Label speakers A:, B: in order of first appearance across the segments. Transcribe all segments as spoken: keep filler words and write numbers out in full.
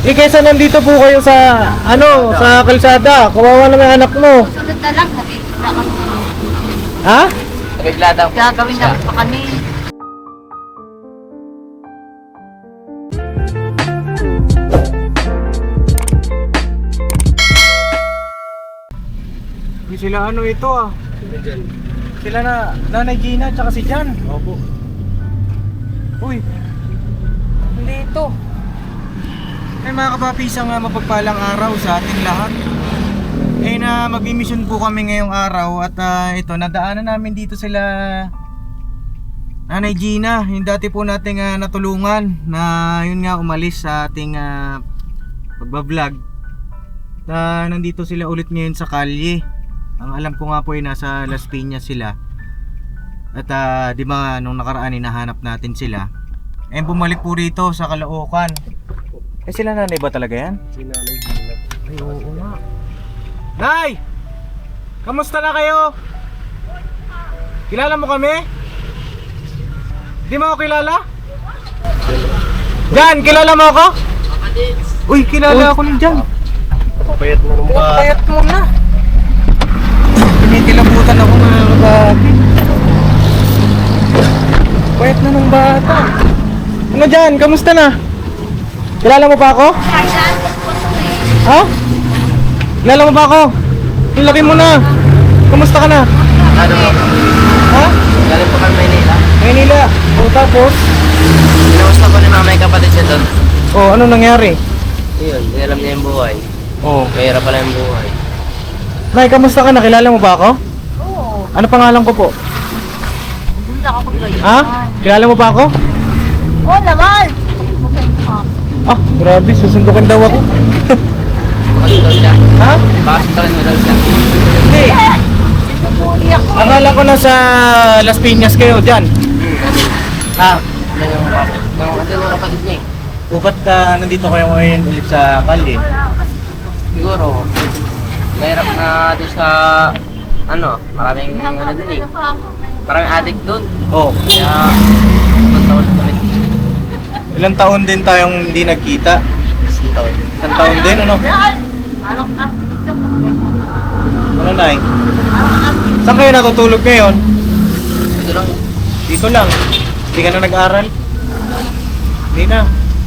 A: Eh, kaysa nandito po kayo sa, ano, sa kalsada. Kawawa naman yung anak mo.
B: Sunod na lang, nakikita kami.
A: Ha?
C: Bigla daw.
B: Gagawin na pa kami.
A: Sila ano ito ah. Sila na, Nanay Gina tsaka si Jan. Opo. Uy. Hindi ito. Ay mga kapapi, isang uh, mapagpalang araw sa ating lahat. Eh na mag-mission po kami ngayong araw. At uh, ito, nadaanan namin dito sila Nanay Gina, yung dati po nating uh, natulungan na yun nga umalis sa ating uh, pagbablog. Uh, nandito sila ulit ngayon sa kalye. Ang alam ko nga po ay nasa Las Piñas sila. At uh, di ba nung nakaraan hinahanap natin sila. Eh bumalik po rito sa Caloocan. Eh sila nanay ba talaga yan? Si Nanay Gina. Ay oo nga. Nay! Kamusta na kayo? Kilala mo kami? Di mo ako kilala? Jan, kilala mo ako? Uy, kilala ako ni Jan.
C: Payat na nung ba?
A: Payat mo na. Kinikilabutan ako mga kabaki. Payat na nung bata. Ano dyan? Kamusta na? Kilala mo pa ako? Ha? Kilala mo pa ako? Ang laki mo na. Kamusta ka na?
C: Ano mo?
A: Ha?
C: Galing po kami Maynila.
A: Maynila. O tapos?
C: Pinamusta po ni mama yung kapatid siya doon.
A: O ano nangyari?
C: Yun, hindi alam niya yung buhay.
A: O.
C: Mahirap pala yung buhay.
A: Nay, kamusta ka na? Kilala mo ba ako?
B: Oo.
A: Ano pangalan ko po?
B: Hindi ako maglayan.
A: Ha? Kilala mo ba ako?
B: Oo naman.
A: Ah, grabe. Susundukin daw ako.
C: Bakit daw siya?
A: Ha?
C: Bakit daw mo daw siya?
A: Hindi.
B: Sinubuli ako.
A: Akala ko na sa Las Piñas kayo dyan. Ha?
C: Ano yung kapatid? Yung kasi yung kapatid niya eh.
A: Upat ka nandito kayo ngayon ulit sa Kali.
C: Siguro, mahirap na doon sa, ano, maraming ano dun eh. Maraming addict dun.
A: Oh,
C: Kaya, ibang taon na kami.
A: ilang taon din tayong hindi nagkita?
C: Isang taon.
A: Isang taon din, ano? Ano na eh? Saan kayo natutulog ngayon?
C: Ito lang.
A: Dito lang. Hindi ka na nag-aral? Hindi na.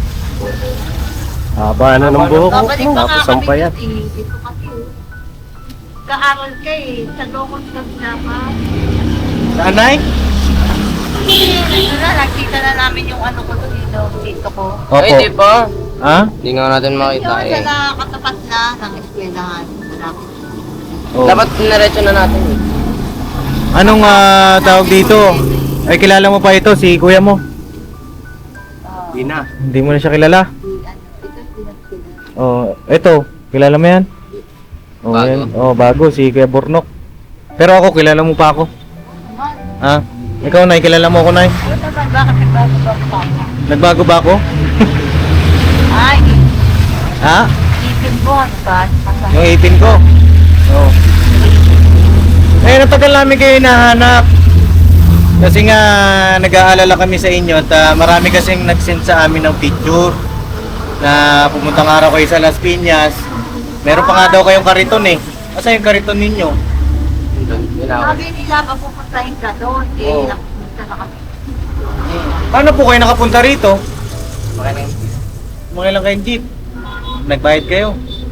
D: Haba na ng buhok mo.
B: Babalik pa nga
D: Tapos ang
B: kami
D: payat.
B: dito eh. Dito kasi. Kaaral ka eh. Sa lokos kami naman.
A: Saan, Nay?
B: Ito na, nakita na namin yung ano ko dito. Dito ko.
C: Ay, di pa.
A: Ha?
C: Hindi nga natin makita
B: Yung
C: eh.
B: sa katapat na ng eskwelahan. Malapit.
A: Oh.
C: Dapat pinaretso na natin eh.
A: Anong ah, tawag dito? Ay, kilala mo pa ito, si kuya mo?
D: Hindi na.
A: Hindi mo na siya kilala?
B: Ito, pinagpila.
A: Oh, ito, kilala mo yan? Oh,
C: Bago.
A: yan. Oh, bago, si Kuya Bornok. Pero ako, kilala mo pa ako. Ha? Ikaw, Nay, kilala mo ako, Nay?
B: Ano naman, bakit nagbago-bago pa ako?
A: Nagbago ba ako?
B: Ay,
A: Ha?
B: ipin mo, ano ba?
A: Yung eighteen ko? Oo. Eh, natagal namin kayo hinahanap. Kasi nga, nag-aalala kami sa inyo at ah, marami kasing nag-send sa amin ng picture na pumuntang araw kayo sa Las Piñas. Meron pa nga daw kayong kariton eh. Asa yung kariton ninyo?
C: Doon, yun ako.
B: Sabi nila, mapupuntahin ka doon. Eh,
A: Oo.
B: napupunta na kami.
A: Paano po kayo nakapunta rito?
C: Baka nang
A: Mga lang kayong jeep. Nagbayad kayo.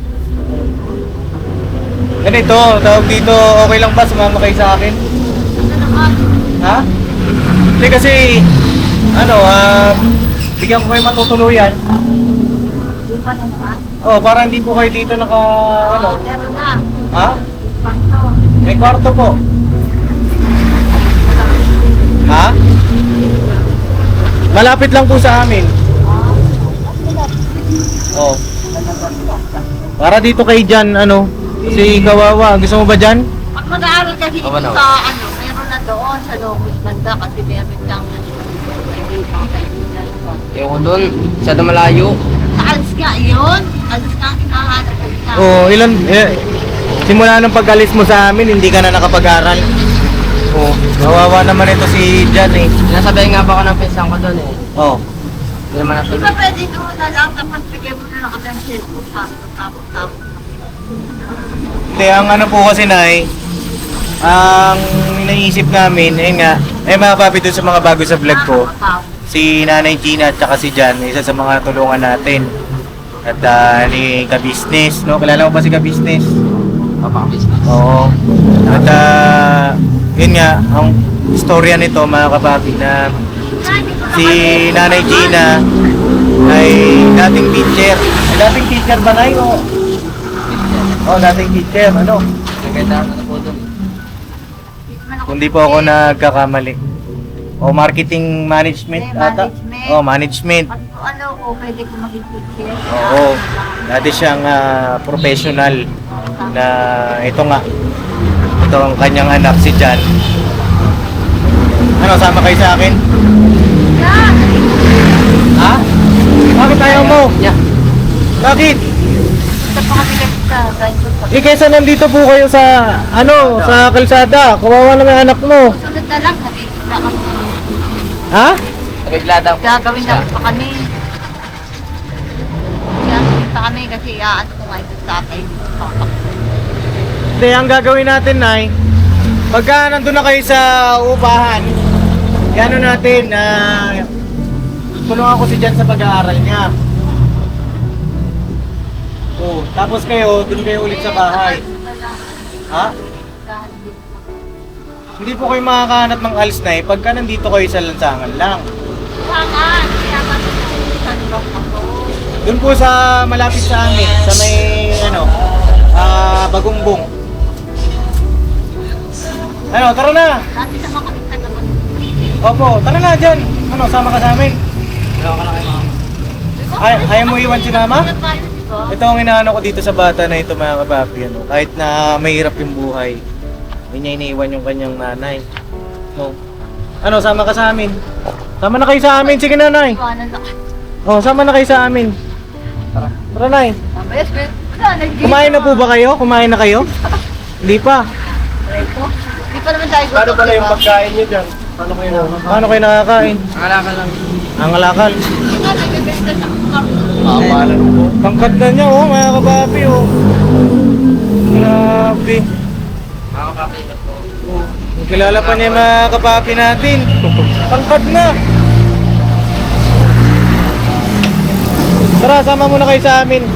A: Ganito, tawag dito, okay lang ba sumama kayo sa akin?
B: Ano naman?
A: Ha? Hindi kasi, ano, ah, bigyan ko kayo matutuluyan.
B: Di pa naman.
A: Oh, para hindi po kayo dito naka, ano,
B: Oo, meron na.
A: ha?
B: Panto.
A: May kwarto po. Ha? Malapit lang po sa amin. Oh. Para dito kay Jan, ano, si Kawawa. Gusto mo ba Jan?
B: Pag mag-aaral kasi dito
C: Oo, ano?
B: sa ano, meron na doon sa Locos Banda kasi meron lang
C: Yung ko doon, masyado malayo.
B: sa alis ka yun. Alis ka ang hinahanap ko na.
A: Oh, ilan, eh, simula nung pag-alis mo sa amin, hindi ka na nakapag-aral. Oh, kawawa naman ito si Jan eh.
C: Sinasabihan nga ba ako ng pinsan ko doon eh.
A: Oh.
C: Hindi naman
B: Di
C: natuloy.
B: ba pwede doon na lang tapos bigay mo na lang na kami ang cellphone. Tapos, tapos, tapos.
A: Hindi, ang ano po kasi Nay, ang naisip namin, ayun nga, ay mga papi doon sa mga bago sa vlog ko, si Nanay Gina at saka si Jan, isa sa mga tulungan natin. At uh, ni Ka-Business, no? Kilala mo ba si Ka-Business?
C: Papaka-business.
A: Oo. At uh, yun nga, ang istorya nito mga kapapi na si Nanay Gina ay dating teacher. Ay, dating teacher ba Nay? O? Oo, dating teacher. Ano?
C: Nagkailangan na po doon.
A: Kung di po ako nagkakamali. O marketing management
B: Eh,
A: ata?
B: management.
A: O, management.
B: Pag ano ko, pwede ko maging teacher.
A: Oo. Dati siyang ah, professional na ito nga. Ito ang kanyang anak si Jan. Ano, sama kayo sa akin?
B: Yan!
A: Ha? Bakit ayaw mo?
C: Yeah.
A: Bakit?
B: Ito pa kami kasi sa ganito.
A: Eh, kaysa nandito po kayo sa, ano, sa kalsada. Kawawa naman ang anak mo.
B: Sunod na lang, nakikita kami.
A: Ha?
C: Nagkaglada po.
B: Gagawin na pa kami. Gagawin pa kami kasi iaan ko nga ito sa akin.
A: Hindi, ang gagawin natin, Nay, pagka nandun na kayo sa upahan, yan natin, na tulungan ko si Jan sa pag-aaral niya. Oh, tapos kayo, dun kayo ulit sa bahay. Ha? Hindi po kayo makakahanap ng alis, Nay, pagka nandito kayo sa lansangan lang.
B: Wangan! Kaya kami sanbang ako.
A: Doon po sa malapit sa amin, sa may, ano, ah, Bagungbong. Ano, tara na!
B: Dati sama kami sa naman.
A: Opo, tara na dyan. Ano, sama ka sa amin.
C: Ayaw ka na kayo mga.
A: Ay, ayaw mo iwan si mama?
B: Ano tayo, di ba?
A: Ito ang inaano ko dito sa bata na ito mga kapapi. Ano, kahit na mahirap yung buhay, hindi niya iniiwan yung kanyang nanay. No. Ano, sama ka sa amin. Sama na kayo sa amin. Sige nanay.
B: Iwanan lang.
A: Oh, sama na kayo sa amin. Tara. Tara nay.
B: Yes, yes. Wala, nag-gym.
A: Kumain na po ba kayo? Kumain na kayo? Hindi pa.
B: Ito. Hindi pa naman tayo
D: Paano
B: gutom,
D: pala
B: di
D: yung
B: ba?
D: pagkain nyo dyan? Paano kayo na?
A: Paano kayo nakakain?
C: Akala lang.
A: Ang alakal.
B: Hindi nga, nagbebenta sa karton.
D: Makapalan po.
A: Tangkad na niya oh, mga kapapi oh. Grabe.
C: Makakapapit po.
A: Kilala pa niya yung mga kapapi natin. Tangkad na. Tara, sama muna kayo sa amin.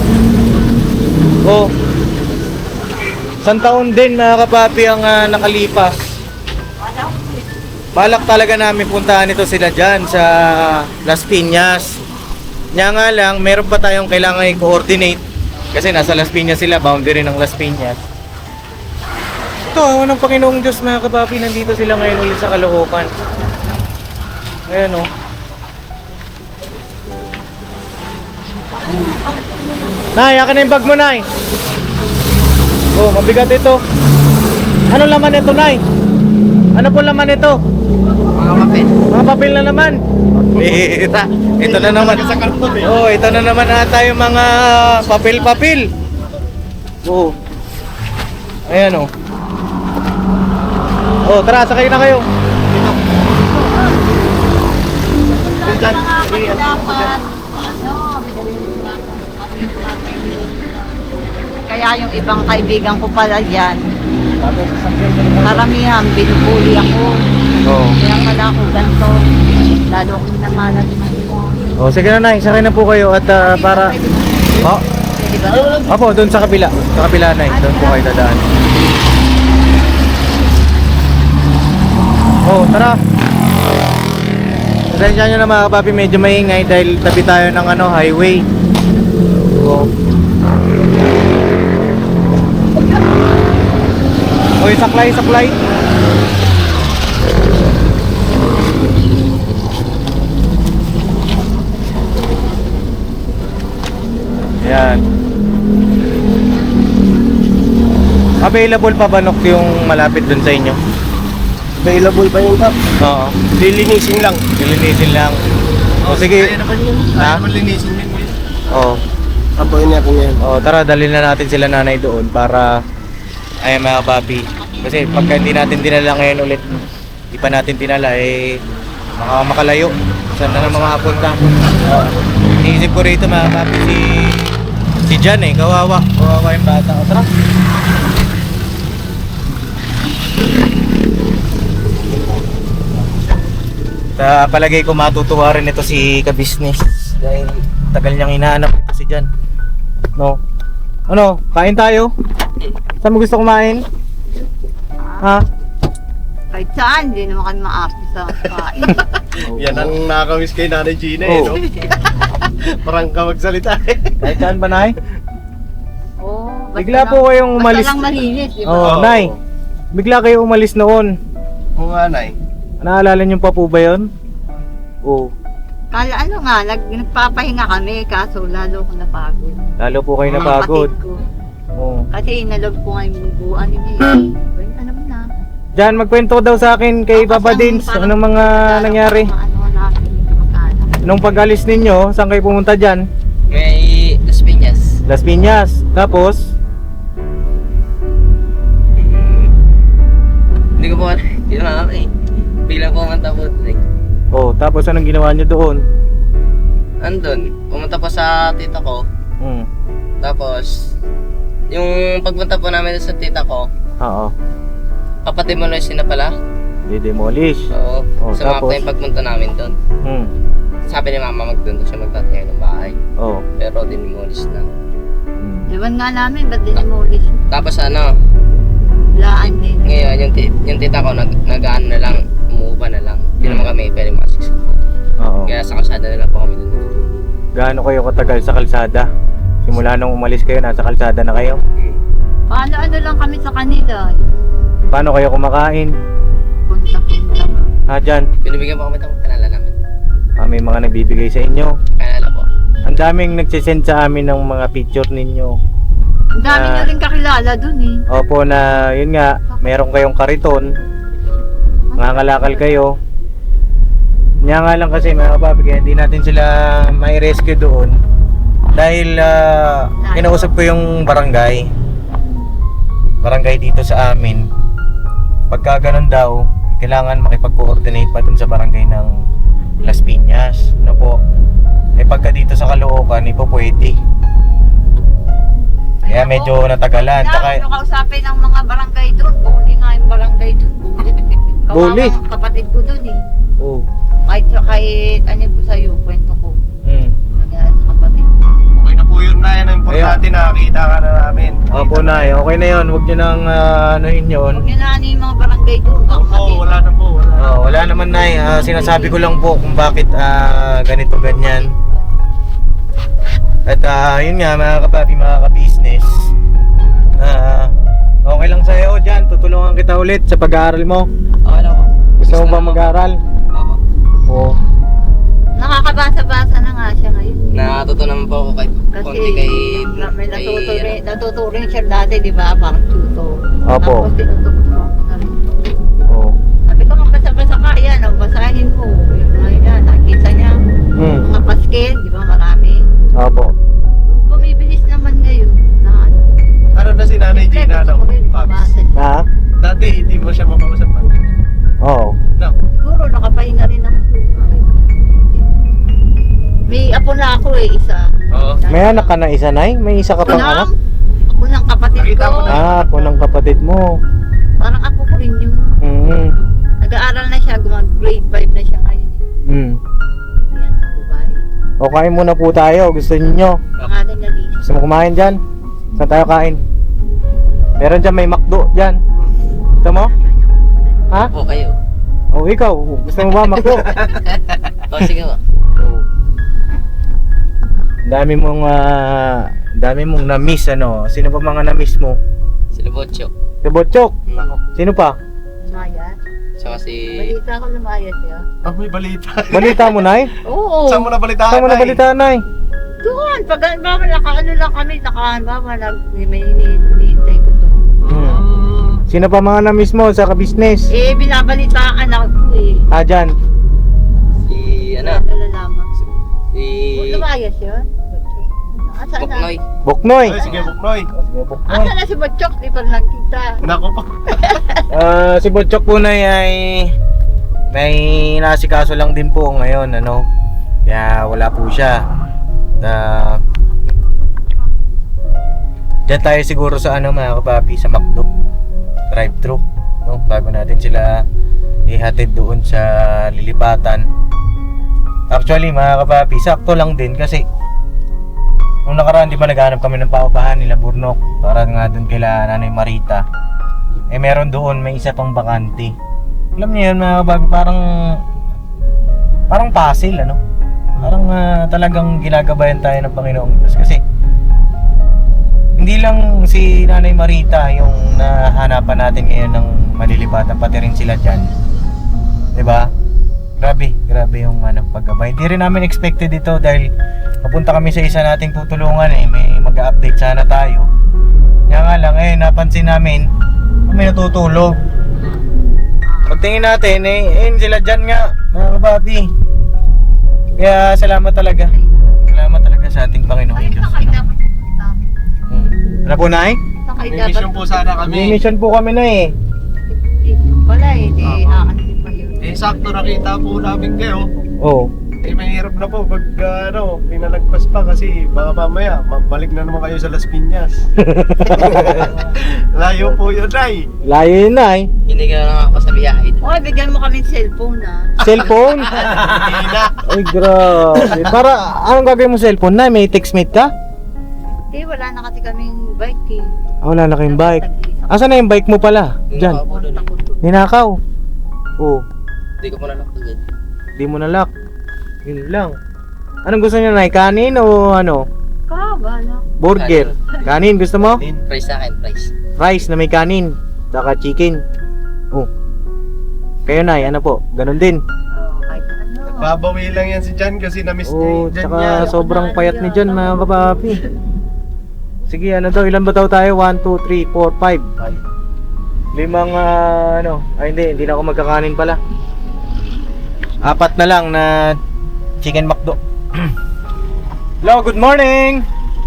A: Oh. Isang taon din mga kapapi ang ah, nakalipas. Balak talaga namin puntahan ito sila dyan sa Las Piñas. Nya nga lang, meron pa tayong kailangan i-coordinate. Kasi nasa Las Piñas sila, boundary ng Las Piñas. Ito, awan ng Panginoong Diyos mga kapapi, nandito sila ngayon ulit sa Caloocan. Ayan o. Nay, akin na yung bag mo, Nay. Oh, mabigat ito. Ano laman ito, Nay? Ano po laman ito?
C: Mga kapit.
A: Mga papel na naman. Bira. Ito na naman.
D: Sa karton eh.
A: Oh, ito na naman ata yung mga papel-papel. Oh. Ayan oh. Oh, tara, sakay na kayo.
B: Dapat, ano, kaya yung ibang kaibigan ko pala dyan, karamihan, binubuli ako.
A: Oh.
B: Kaya pala ako ganito. Lalo akong namalat mo.
A: Oh, sige na, Nay, sakay na po kayo at ah, para Oh,
B: Pwede ba?
A: opo, doon sa kabila. Sa kabila, Nay. Doon po kayo dadaan. Oh, tara. Pasensya nyo na mga kapapi, medyo maingay dahil tabi tayo ng ano, highway. Oh. Oy, saklay, saklay. Yan. Available pa ba Nok yung malapit dun sa inyo?
D: Available pa yung cup.
A: Oo.
D: Lilinisin lang.
A: Lilinisin lang. O sige.
D: Kaya naman yun.
A: Ha?
D: Kaya naman linisin yun.
A: Oo.
D: Apoyin natin yan.
A: Oh, tara, dalhin na natin sila nanay doon para ay mga papi. Kasi pagka hindi natin dinala ngayon ulit, hindi pa natin dinala eh baka makalayo. Saan na naman makapunta? Oh. Iniisip ko rito mga papi si si Jan eh, kawawa. Kawawa yung bata. O, tara. Sa palagay ko matutuwa rin ito si ka-business dahil tagal niyang hinahanap ito si Jan. No? Ano? Kain tayo? Saan mo gusto kumain? Ha?
B: Kahit saan, hindi naman kami maarte sa kain.
D: Yan ang nakakamiss kay Nanay Gina eh,
A: Oh.
D: no? Parang ka magsalita eh.
A: Kahit saan ba, Nay?
B: Oo. basta
A: Bigla
B: lang-
A: po kayong umalis.
B: Basta lang malinis, di ba?
A: Oh,
D: Oo.
A: Nay. Bigla kayo umalis noon.
D: Oo nga, Nay.
A: Naalala niyo pa po ba yun? Oo.
B: Kala ano nga, nag, nagpapahinga kami, kaso lalo ko napagod.
A: Lalo po kayo
B: Mga
A: napagod.
B: kapatid ko.
A: Oo.
B: Kasi inalog ko nga yung bubuan ni Niya. Well, ano mo na.
A: Jan, magkwento daw sa akin kay
B: Tapos
A: Papa
B: ang
A: Dins.
B: parang-
A: Anong mga nangyari?
B: Mga ano natin, magkaanak.
A: Nung pag-alis ninyo, saan kayo pumunta dyan?
C: May Las Piñas.
A: Las Piñas. Tapos,
C: Hindi ko po alam. Hindi naman ako eh. Biglang pumunta po dun eh.
A: oh, tapos anong ginawa niyo doon?
C: Andun, pumunta po sa tita ko.
A: Hmm.
C: Tapos, yung pagpunta po namin sa tita ko,
A: Oo.
C: papademolish na pala.
A: Di-demolish.
C: Oo.
A: Oh,
C: Sumama
A: tapos?
C: po yung pagpunta namin doon.
A: Hmm.
C: Sabi ni mama magdoon daw siya magtatayo ng bahay.
A: Oh.
C: Pero dinimolish na.
A: Hmm.
B: Diwan nga namin, ba't dinimulis?
C: Tapos ano,
B: Laan din.
C: ngayon yung, ti- yung tita ko nag, nag-ano na lang, umuupa na lang. Hindi naman kami pwede masiksik.
A: Oo.
C: Kaya sa kalsada na lang po kami doon.
A: Gaano kayo katagal sa kalsada? Simula nung umalis kayo, nasa kalsada na kayo?
B: Paano ano lang kami sa kanila?
A: Paano kayo kumakain?
B: Punta-punta.
A: Ha, Jan?
C: Binibigyan po kami ng kanala namin.
A: Ah, may mga nagbibigay sa inyo.
C: Kanala po.
A: Ang daming nagsisend sa amin ng mga picture ninyo.
B: Ang dami
A: Ah.
B: nyo rin kakilala dun eh.
A: Opo na, yun nga, meron kayong kariton. Nangangalakal kayo. Nga nga lang kasi mga papi, kaya hindi natin sila may rescue doon. Dahil ah, kinausap ko yung barangay. Barangay dito sa amin. Pagka ganun daw, kailangan makipag-coordinate pa dun sa barangay ng Las Piñas. Ano po? Eh pagka dito sa Caloocan, hindi po pwede. Kaya medyo natagalan.
B: Kaya
A: Tsaka,
B: ano kausapin ng mga barangay doon. Buli nga yung barangay doon.
A: Buli?
B: Kawawang kapatid ko doon eh.
A: oh.
B: Kahit, kahit ano ko sa'yo, kwento ko.
A: Hmm.
B: Nangyari sa kapatid.
D: Okay na po yun, Nay. Ang importante, nakakita ka na namin.
A: Opo na, okay na yun. Huwag nyo nang uh, anuhin yun.
B: Huwag nyo na ano yung mga barangay doon.
D: Opo,
B: kapatid.
D: wala na po. Wala.
A: Oh, wala naman na uh, sinasabi ko lang po kung bakit ah, ganito ganyan. At ah, yun nga mga kapapi, mga ka-business. Ah, okay lang sa'yo dyan, tutulungan kita ulit sa pag-aaral mo.
C: Okay lang po.
A: Gusto mo ba mag-aaral?
C: Opo.
A: Oo.
B: Nakakabasa-basa na nga siya ngayon.
C: Natuto naman po ako kay
B: Kasi
C: konti kay
B: na- may
C: kay,
B: natuturin,
C: ano,
B: natuturin siya dati, di ba? Parang tuto.
A: Opo.
B: Tapos tinuturo ko ako na rin.
A: Oo.
B: Sabi ko, magbasa-basa ka, yan, oh, basahin mo. Yung mga yan, nakita niya.
A: Hmm.
B: Mga paskel, di ba, marami.
A: Opo.
B: Bumibilis naman ngayon. Na, ano.
D: Ano na si Nanay Gina,
B: Gusto
D: no?
B: ko rin
D: Paps.
B: mabasa.
A: Ha?
D: Dati, hindi mo siya makausap.
A: Oo.
D: No.
B: Siguro, nakapahinga rin ako. May apo na ako eh, isa.
D: Oo.
A: May anak ka na isa, Nay? May isa ka pang anak?
B: Ako ng kapatid
D: Nakita
B: ko.
D: ko na.
A: Ah, po ng kapatid mo.
B: Parang ako ko rin yun.
A: Hmm.
B: Nag-aaral na siya, gumag grade five na siya ngayon eh.
A: Hmm.
B: Yan, ang babae.
A: O kain muna po tayo, gusto niyo?
B: Pangalan na Lisa.
A: Gusto mo kumain dyan? Saan tayo kain? Meron dyan, may McDo dyan. Gusto mo? Ha?
C: po kayo.
A: O ikaw, gusto mo ba McDo?
C: O sige po.
A: Dami mong ah, dami mong na-miss ano. Sino pa mga na-miss mo?
C: Sila Botcho.
A: Si Botchok.
C: Nako.
A: Sino pa?
B: Lumaya.
C: Saka si...
B: Balita ko lumaya siya.
D: Ah, may balita.
A: Balita mo, Nay?
B: Oo.
D: Saan mo na balitaan,
A: Saan mo na
D: Nay?
A: balita, Nay?
B: Doon, pag ba, nakaano lang kami, nakaano ba, nag, may hinihintay ko to.
A: Hmm. Sino pa mga na-miss mo sa ka-business?
B: Eh, binabalitaan ako eh.
A: Ah, dyan.
C: Si... ano?
B: Nalalaman.
C: Si...
B: Lumaya siya? Asan na?
C: Buknoy.
A: Buknoy.
D: Ay, sige, Buknoy.
A: Sige, Buknoy.
B: Asan na si Botchok? Di pa nakita.
D: Nako po.
A: Ah, si Botchok po na ay may nasikaso lang din po ngayon, ano. Kaya wala po siya. Ah, Diyan tayo siguro sa ano mga kapapi, sa McDo drive-thru, no? Bago natin sila ihatid doon sa lilipatan. Actually mga kapapi, sakto lang din kasi nung nakaraan di ba naghanap kami ng paupahan nila Burnok para nga doon kila Nanay Marita. Eh meron doon, may isa pang bakante. Alam niyo yun mga kapapi, parang parang puzzle ano? Parang ah, talagang ginagabayan tayo ng Panginoong Diyos kasi hindi lang si Nanay Marita yung nahanapan natin ngayon ng malilipatan, pati rin sila dyan. Diba? Grabe, grabe yung ano, paggabay. Hindi rin namin expected ito dahil papunta kami sa isa nating tutulungan eh. May mag-update sana tayo. Kaya nga lang eh, napansin namin may natutulog. Pagtingin natin eh, eh sila dyan nga, mga kababi. Kaya salamat talaga. Salamat talaga sa ating Panginoong
B: Ay,
A: Diyos.
B: sakay
A: No?
B: dapat.
A: Hmm. Ano po, Nay?
B: Sakay
D: May
B: dapat.
D: mission po sana
A: May
D: kami.
A: mission po kami na eh.
B: Wala eh, di
D: Oo.
B: aanin pa yun.
D: Eh, sakto nakita po namin kayo.
A: Oo.
D: Eh, mahirap na po pag uh, ano, pinalagpas pa kasi baka mamaya magbalik na naman kayo sa Las Piñas. Layo po yun, Nay.
A: Layo yun, Nay.
C: Hindi ka lang ako sa biyahe.
B: Okay, bigyan mo kami cellphone ah.
A: Cellphone?
D: Hindi na.
A: Ay, grabe. Para, anong gagawin mo sa cellphone, Nay? May textmate ka?
B: Eh, wala na kasi kaming bike eh.
A: Ah, wala na kayong bike. Asan na yung bike mo pala? Diyan.
C: Ako doon.
A: Ninakaw. Oo.
C: Hindi ko pa nalakad.
A: Di mo nalock. Yun lang. Anong gusto niyo, Nay? Kanin o ano?
B: Ka, bala.
A: Burger. Kanin, gusto mo?
C: Price sa akin, price.
A: Rice na may kanin. Saka chicken. Oh. Kayo, Nay, ano po? Ganon din.
B: Oh, kahit ano.
D: Babawi lang yan si Jan kasi na-miss niya
A: Oo,
D: yung Jan
A: tsaka
D: niya.
A: sobrang payat ni John, mga kapapi. Sige, ano daw? Ilan ba daw tayo? one, two, three, four, five. Limang, ah, ano? Ay, hindi. Hindi na ako magkakanin pala. Apat na lang na chicken McDo. Hello, good morning!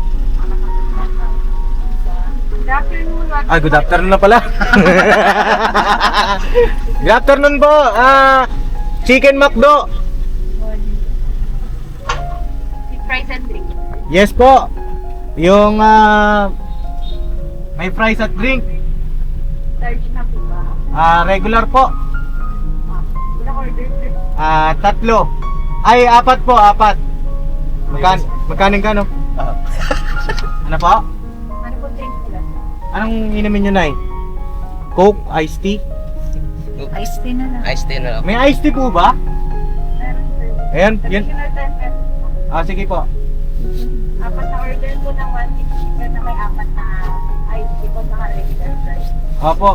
A: Ah, good afternoon na pala. Good afternoon po. Ah, chicken McDo.
B: Price and drink.
A: Yes po. Yung ah, may fries at drink.
B: Large na po ba?
A: Ah, regular po.
B: Ilang order sir?
A: Ah, tatlo. Ay, apat po, apat. Magkan magkaning ka no? Ano po?
B: Ano po drink nila?
A: Anong inumin nyo, Nay? Coke, iced tea?
B: Ice tea na lang.
C: Ice tea na lang.
A: May iced tea po ba?
B: Meron sir.
A: Ayan, yun.
B: Additional ten pesos.
A: Ah, sige po.
B: Apat na order po ng one fifty pero na may apat na ice tea po na regular price.
A: Opo.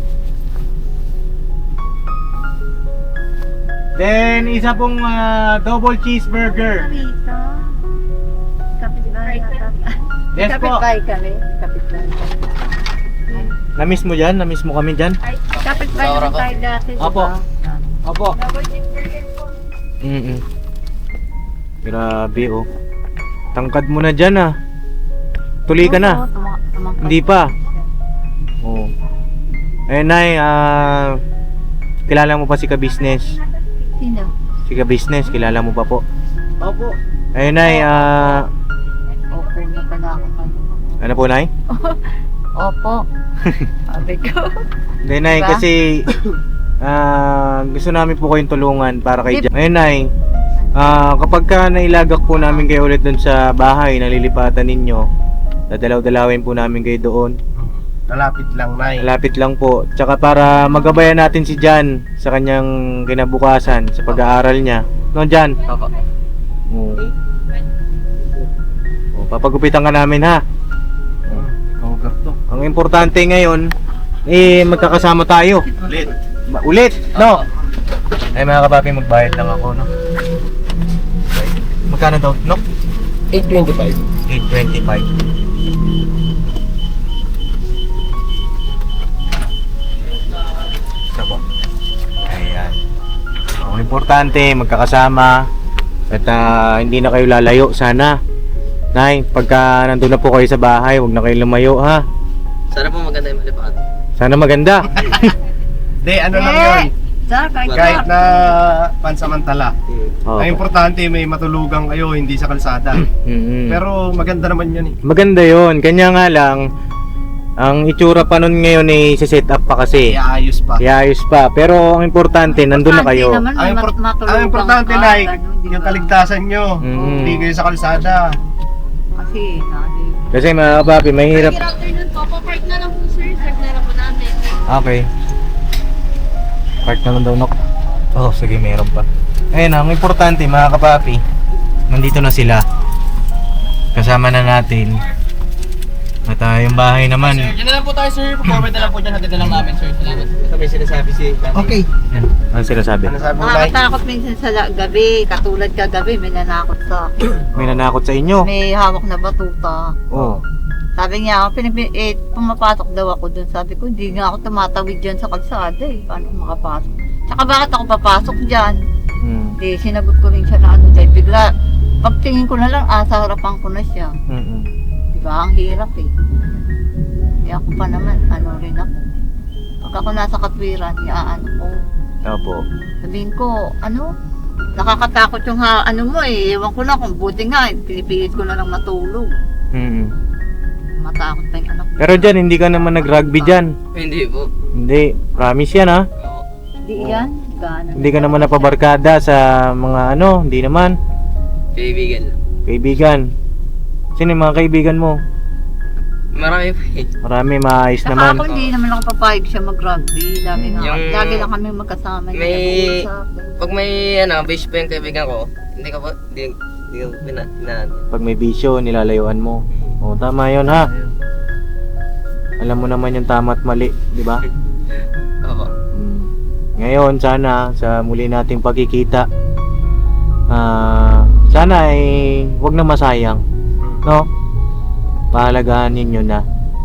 A: Then, isa pong ah, double cheeseburger.
B: Rito. Kapitbahay yata.
A: Yes po.
B: Kapitbahay kami. Kapitbahay.
A: Na-miss mo dyan? Na-miss mo kami dyan?
B: Ay, kapitbahay
C: Saura
B: naman
C: ko.
B: tayo dati. diba?
A: Opo. Opo.
B: Double cheeseburger po.
A: Mm-mm. Grabe oh. Tangkad mo na dyan ah. Tuloy ka na.
B: Oo, tuma- tumangkad.
A: Hindi pa. Oh. Eh, Nay, ah... kilala mo pa si Ka-Business?
B: Sino?
A: Si Ka-Business, kilala mo pa po?
D: Opo.
A: Eh, Nay, ah...
B: Opo na pala ako kayo.
A: ano po, Nay?
B: Opo. Sabi ko.
A: Hindi, Nay,
B: Diba?
A: kasi... ah gusto namin po kayong tulungan para kay Jan. Eh, Nay, ah kapag ka nailagak po namin kayo ulit dun sa bahay na lilipatan ninyo, dadalaw-dalawin po namin kayo doon.
D: Nalapit lang, Nay.
A: Malapit lang po. Tsaka para magabayan natin si Jan sa kanyang kinabukasan sa pag-aaral niya. No, Jan?
C: Opo.
A: Oo. Oh, papagupitan ka namin ha.
D: Kaugar to.
A: Ang importante ngayon, eh magkakasama tayo.
D: Ulit.
A: Ma- Ulit, no? Ay mga kapapi, magbayad lang ako, no? Magkano daw, no?
C: eight twenty-five.
A: eight twenty-five. Ito po. Ayan. Ang importante, magkakasama. At ah, hindi na kayo lalayo, sana. Nay, pagka nandun na po kayo sa bahay, huwag na kayo lumayo, ha?
C: Sana po maganda yung malipad.
A: Sana maganda.
D: Hindi, ano lang yun.
B: Sir, kahit
D: Kahit na pansamantala.
A: Oo.
D: Ang importante may matulugan kayo, hindi sa kalsada.
A: Mm-mm.
D: Pero maganda naman yun eh.
A: Maganda yon. Kanya nga lang, ang itsura pa nun ngayon ay set up pa kasi.
D: Iayos pa.
A: Iayos pa. Pero ang importante, nandun na kayo.
B: Naman,
D: Ang,
B: may
D: import-
B: mat- matulugan
D: ang importante
B: ka,
D: na
B: ganun, di
D: yung
B: ba?
D: kaligtasan nyo.
A: Mm.
D: Hindi kayo sa kalsada.
B: Kasi, nani.
A: Kasi mga kapapi, mahirap.
B: Good afternoon po. Papark na lang po, sir. Serve na lang po namin.
A: Okay. Park na lang daw nok. Oh, sige, meron pa. Ayun, ang importante mga kapapi, nandito na sila. Kasama na natin. At ah, yung bahay naman.
C: Sir, dyan na lang po tayo sir. Forward na lang po dyan. Hatid na lang namin sir. Salamat. Ito may sinasabi si
A: Okay. Yan. Ano sinasabi?
D: Ano sabi mo, Nay?
B: Nakakatakot minsan sa la- gabi. Katulad kagabi, may nanakot sa akin.
A: May nanakot sa inyo.
B: May hawak na batuta.
A: Oh.
B: Sabi niya, pinag eh, pumapasok daw ako dun. Sabi ko, hindi nga ako tumatawid dyan sa kalsada eh. Paano ako makapasok? Tsaka bakit ako papasok dyan?
A: Hmm.
B: Di, sinagot ko rin siya na ano dahil bigla, pagtingin ko na lang, ah, sa harapan ko na siya.
A: Mm-mm.
B: Diba, ang hirap eh. Kaya ako pa naman, ano rin ako. Pag ako nasa katwiran, iaano ko.
A: Opo.
B: Sabihin ko, ano, nakakatakot yung ha, ano mo eh. Ewan ko na kung buti nga, eh, pinipilit ko na lang matulog.
A: Mm-mm.
B: Matakot pa yung anak ko.
A: Pero dyan, hindi ka naman nag-rugby dyan.
C: Hindi po.
A: Hindi. Promise yan ha.
B: Di yan, gana.
A: Hindi ka naman napabarkada sa mga ano. Hindi naman.
C: Kaibigan lang.
A: Kaibigan. Sino yung mga kaibigan mo?
C: Marami po eh.
A: Marami, maayos
B: Saka
A: naman.
B: ako hindi naman ako papayag siya mag-rugby. Lagi, nga,
C: Yung-
B: lagi lang kami magkasama. hindi
C: May-
B: nag-uusap.
C: Pag may ano, base pa yung kaibigan ko, hindi ka po, hindi, hindi ko pina, pina,
A: Pag may bisyo, nilalayuan mo. O, tama yun ha. Alam mo naman yung tama at mali, di ba?
C: Opo.
A: Mm. Ngayon, sana sa muli nating pagkikita, ah, sana ay wag na masayang, no? Pahalagahan ninyo na.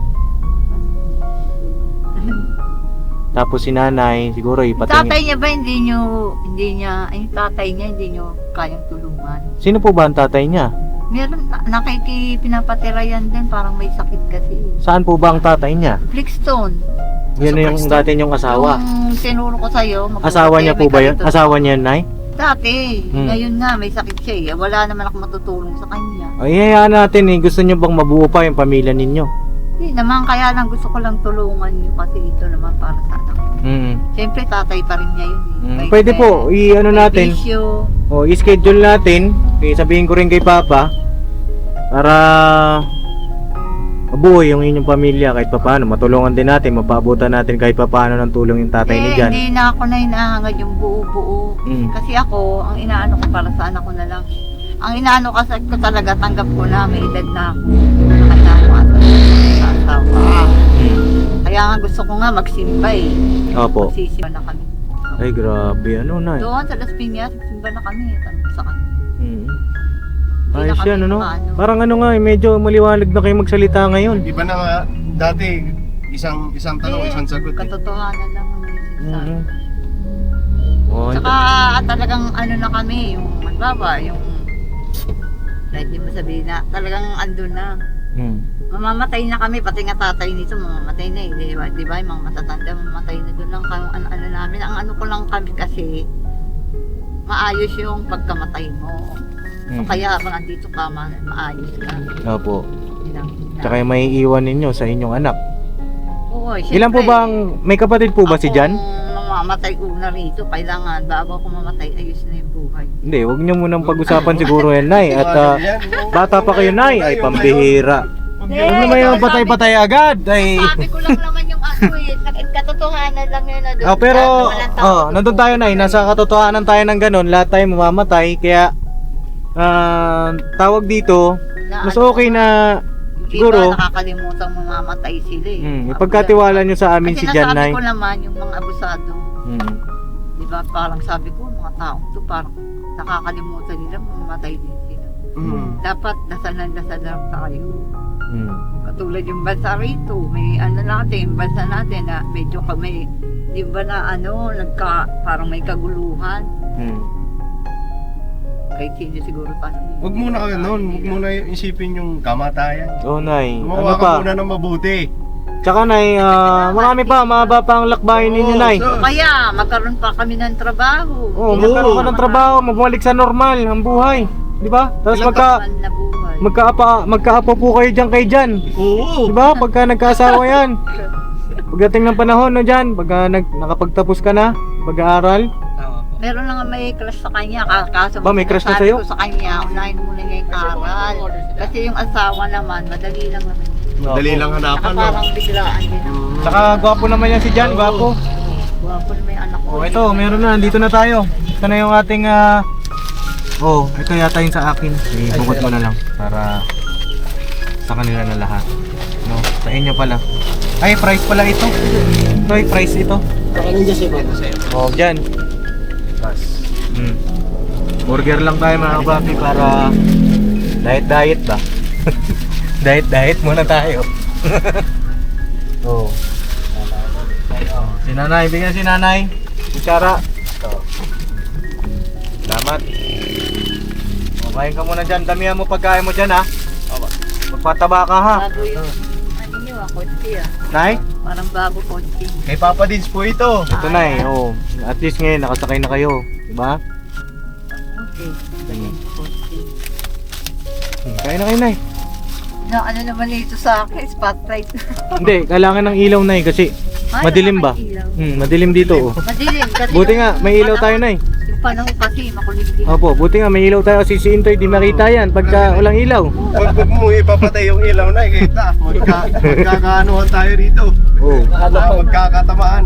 A: Tapos si nanay, siguro
B: Yung
A: ipatingin.
B: tatay niya ba hindi nyo, hindi niya, ay yung tatay niya hindi nyo kayang tulungan?
A: Sino po ba ang tatay niya?
B: Meron, na- nakikipinapatira yan din, parang may sakit kasi.
A: Saan po ba ang tatay niya?
B: Flickstone.
A: Yan yung dati niyong asawa.
B: Yung tinuro ko sa'yo. magpapatira,
A: Asawa niya po
B: may
A: ba yun?
B: ganito.
A: Asawa niya, Nay?
B: Dati.
A: Hmm.
B: Ngayon nga, may sakit siya eh. Wala naman ako matutulong sa kanya.
A: Ay, hayaan natin eh. Gusto niyo bang mabuo pa yung pamilya ninyo?
B: Hindi naman, kaya lang gusto ko lang tulungan nyo kasi ito naman para sa anak.
A: Mm.
B: Siyempre, tatay pa rin niya yun eh.
A: Mm.
B: May-
A: Pwede
B: may-
A: po, i-ano
B: may
A: natin.
B: bisyo.
A: O, i-schedule natin. Okay, sabihin ko rin kay Papa para mabuo yung inyong pamilya kahit papaano. Matulungan din natin, mapaabutan natin kahit papaano ng tulong yung tatay ni
B: Eh,
A: Jan.
B: hindi na ako na hinahangad yung buo-buo.
A: Mm.
B: Kasi ako, ang inaano ko para sa anak ko na lang. Ang inaano kasi ko talaga, tanggap ko na, may edad na ako. Nakatawa sa asawa.
A: Mm.
B: Kaya nga gusto ko nga magsimba eh.
A: Opo.
B: Magsisimba na kami.
A: Ay, grabe. Ano na eh.
B: Doon sa Las Piñas, simba na kami. Tanong ko sa kanya.
A: Mm.
B: Hindi
A: Ayos
B: na kami
A: yan, ano?
B: maano.
A: Parang ano nga eh, medyo maliwanag na kayo magsalita ngayon.
D: Iba na nga, dati, isang isang tanong,
B: Eh,
D: isang sagot eh.
B: Katotohanan lang ang sinasabi.
A: Mm. Oh,
B: Tsaka talagang ano na kami, yung magbaba, yung kahit di mo sabihin na, talagang andun na.
A: mm.
B: Mamamatay na kami, pati nga tatay nito, mamamatay na eh, di ba? Di ba? Yung mga matatanda, mamamatay na doon lang kung ano, ano namin. Ang ano ko lang kami kasi, maayos yung pagkamatay mo. So,
A: Mm.
B: kaya habang andito ka, ma- maayos ka.
A: Opo.
B: Yun ang-
A: Tsaka yung may iwan ninyo sa inyong anak.
B: Oo,
A: Ilan po
B: syempre,
A: ba ang, may kapatid po ba si Jan?
B: Akong mamamatay una rito, kailangan bago ako mamatay, ayos na yung buhay.
A: Hindi, wag niyo munang pag-usapan siguro yan, Nay. At ah,
D: Yan, oo.
A: bata pa kayo, Nay. Ay, pambihira.
D: Huwag
B: Eh,
D: yun.
A: Huwag naman yung patay-patay agad. Ay.
B: Sabi ko lang naman yung ano eh, nag- katotohanan lang yun na doon.
A: Oh, pero,
B: Walang tao
A: oh, nandun tayo, Nay. Nasa katotohanan tayo ng ganun. Lahat tayo mamamatay. Kaya, ah, tawag dito,
B: Na
A: mas
B: ano,
A: okay na,
B: yung
A: siguro,
B: iba nakakalimutan mamamatay sila eh.
A: mm,
B: Ako
A: ipagkatiwala nyo sa
B: lang.
A: amin
B: Kasi
A: si Jan,
B: nasabi
A: Nay.
B: ko naman yung mga abusado,
A: Mm.
B: di ba, parang sabi ko, mga taong to, parang nakakalimutan nila, mamamatay din sila.
D: Mm.
B: Dapat dasal ng dasal lang tayo.
A: Mm.
B: Katulad yung bansa rito, may ano natin, yung bansa natin na medyo kami, di ba na ano, nagka, parang may kaguluhan.
A: Mm.
B: Kahit hindi siguro tayo.
D: Huwag muna ka nun, huwag muna isipin yung kamatayan.
A: Oh, Nay. Ano
D: Gumawa
A: pa?
D: ka muna ng mabuti.
A: Tsaka Nay, ah, marami pa, mahaba pa ang lakbayin ninyo Nay.
D: Oo,
B: Kaya magkaroon pa kami ng trabaho.
A: Oh, magkaroon ka ng trabaho, mabalik sa normal ang buhay, di ba? Tapos magka
B: Normal na buhay.
A: magkaapa magkaapo po kayo diyan kay Jan.
D: Oo.
A: Di ba? Pagka nagkaasawa yan. Pagdating ng panahon no Jan, pagka nag, nakapagtapos ka na, pag-aaral.
B: Meron na nga may crush sa kanya, ka- kaso
A: Ba, may crush na
B: sabi
A: sa'yo?
B: ko sa kanya, unahin muna niya yung aral. Kasi yung asawa naman, madali lang naman.
D: Madali lang
B: Saka
D: hanapan, no?
B: parang biglaan din naman.
A: Saka gwapo naman yan si Jan, gwapo.
B: Guwapo na may anak ko.
A: Oh, ito, meron na, dito na tayo. Ito na yung ating ah, oh, ito yata yung sa akin. Ibukot mo na lang para sa kanila na lahat. No, sa inyo pala. Ay, price pala ito. Ito ay price ito.
C: Kakainin dyan sa'yo.
A: Oh, dyan. Hmm. Burger lang tayo mga kapapi para diet-diet ba? Diet-diet muna tayo. Oh. Si nanay, bigyan si nanay. Kutsara. Salamat. Oh, kain ka muna dyan. Damihan mo pagkain mo dyan ha. Magpataba ka ha.
B: Bago yung, ano nyo ah, kotse ah.
A: Nay?
B: Parang bago kotse.
D: Kay Papa Dins po ito.
A: Ito nay. Oh. At least ngayon nakasakay na kayo. Diba?
B: Okay.
A: Hmm.
B: Kotse.
A: Hmm, kain na kayo nay.
B: Na ano naman ito sa akin, spotlight.
A: Hindi, kailangan ng ilaw nay kasi
B: Ay,
A: madilim ba?
B: nakakailaw.
A: Hmm, madilim dito oh.
B: Madilim kasi.
A: Buti
B: yung
A: nga, may ilaw tayo
B: panahon-
A: nay.
B: Yung panahon kasi, makulimlim.
A: Opo, buti nga may ilaw tayo kasi si Intoy di makita yan pagka walang ilaw.
D: Huwag huwag mo ipapatay yung ilaw na, kita. Magka, magkakaanuhan tayo rito.
A: Oh.
D: Ah, magkakatamaan.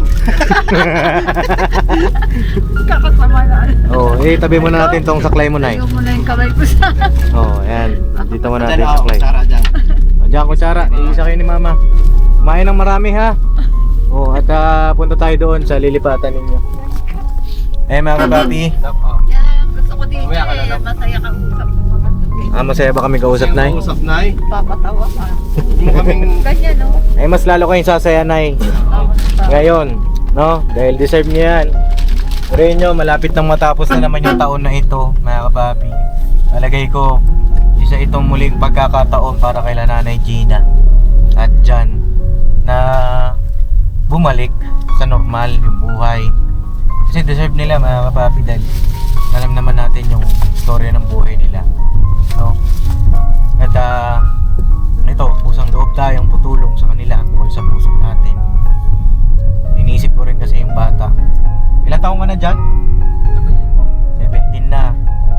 B: Kakasama na.
A: Oh, eh tabi mo na natin tong saklay mo nay.
B: Ayaw mo na yung kamay ko sa...
A: Oh, ayan. Dito mo natin
D: Dyan
A: yung
D: ako,
A: saklay.
D: Sara dyan.
A: Oh, diyan ko Sara, iisa kayo ni Mama. Kumain ng marami ha. Oh, at ah, punta tayo doon sa lilipatan ninyo. Eh mga kababi,
B: Yan, gusto ko dito
C: Mamaya ka na
B: eh.
C: lang.
B: Masaya kang usap mo mga
A: ah, masaya ba kami kausap nay?
D: Usap, Nay.
B: papatawa ka.
D: Huwag mo kaming...
B: Ganyan no?
A: Eh mas lalo kayong sasaya nay. Ngayon, no? Dahil deserve niyo yan. Pero yun nyo, malapit nang matapos na naman yung taon na ito, mga kapapi. Alagay ko, isa itong muling pagkakataon para kay Nanay Gina at Jan na bumalik sa normal yung buhay. Kasi deserve nila mga kapapi dahil alam naman natin yung storya ng buhay nila. No? At ah, ito, pusang loob tayong tutulong sa kanila o sa puso natin. Inisip ko rin kasi yung bata. Ilan taong ka na dyan? seventeen na.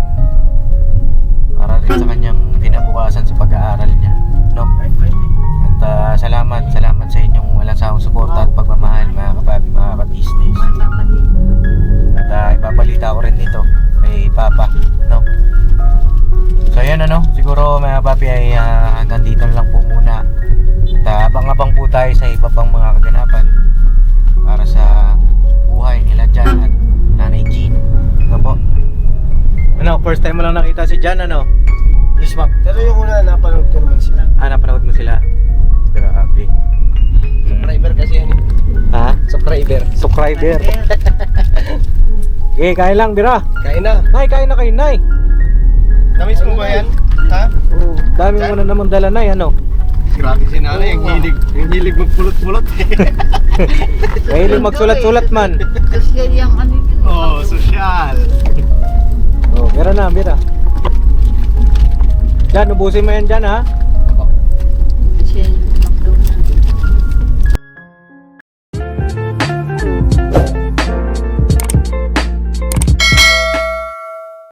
A: Para rin sa kanyang kinabukasan sa pag-aaral niya. No? At ah, salamat, salamat sa inyong walang sawang suporta at pagmamahal mga kapapi, mga katistis. At ah, ipabalita ko rin dito kay Papa. No? So yan ano, siguro mga papi ay ah, hanggang dito na lang po muna. At ah, abang-abang po tayo sa iba pang mga kaganapan para sa buhay nila Jan at Nanay Jean. Ano po? Ano, first time mo lang nakita si Jan ano? Yes ma'am.
D: Pero yung una, napanood ko naman sila.
A: Ah, napanood mo sila? Grabe. Hmm.
C: Subscriber kasi yan eh.
A: Ha?
C: Subscriber.
A: Subscriber. Eh, kain lang, Bira.
D: Kain na.
A: Nay, kain na kayo, Nay.
D: Namiss mo ba yan? Ha?
A: Oh, dami mo na naman dala, Nay, ano?
D: Grabe si nanay, ang hilig, ang hilig magpulot-pulot.
A: Mahilig magsulat-sulat man.
B: Social yung ano yun.
D: Oh, sosyal.
A: Oh, Bira na, Bira. Jan, ubusin mo yan dyan, ha?